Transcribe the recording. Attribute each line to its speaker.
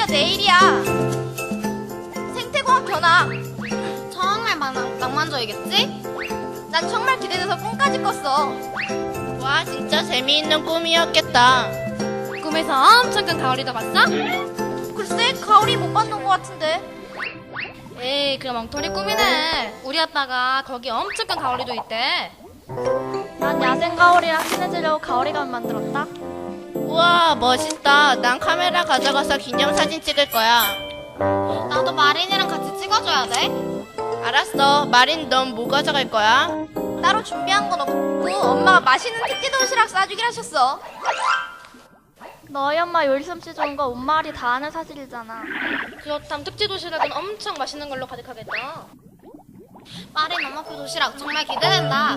Speaker 1: 내일이야. 생태공원 견학.
Speaker 2: 정말 낭만적이겠지?
Speaker 1: 난 정말 기대돼서 꿈까지 꿨어.
Speaker 3: 와, 진짜 재미있는 꿈이었겠다.
Speaker 2: 꿈에서 엄청 큰 가오리도 봤어?
Speaker 1: 글쎄, 가오리 못 봤는 것 같은데.
Speaker 2: 에이, 그럼 엉터리 꿈이네. 우리 아빠가 거기 엄청 큰 가오리도 있대.
Speaker 4: 난 야생 가오리랑 친해지려고 가오리감 만들었다.
Speaker 3: 우와, 멋있다. 난 카메라 가져가서 기념사진 찍을 거야.
Speaker 2: 나도 마린이랑 같이 찍어줘야 돼.
Speaker 3: 알았어. 마린, 넌 뭐 가져갈 거야?
Speaker 1: 따로 준비한 건 없고 엄마가 맛있는 특제 도시락 싸주기로 하셨어.
Speaker 4: 너희 엄마 요리 솜씨 좋은 거 온 마을이 다 아는 사실이잖아.
Speaker 2: 그렇다면 특제 도시락은 엄청 맛있는 걸로 가득하겠다.
Speaker 1: 마린 엄마표 도시락 정말 기대된다.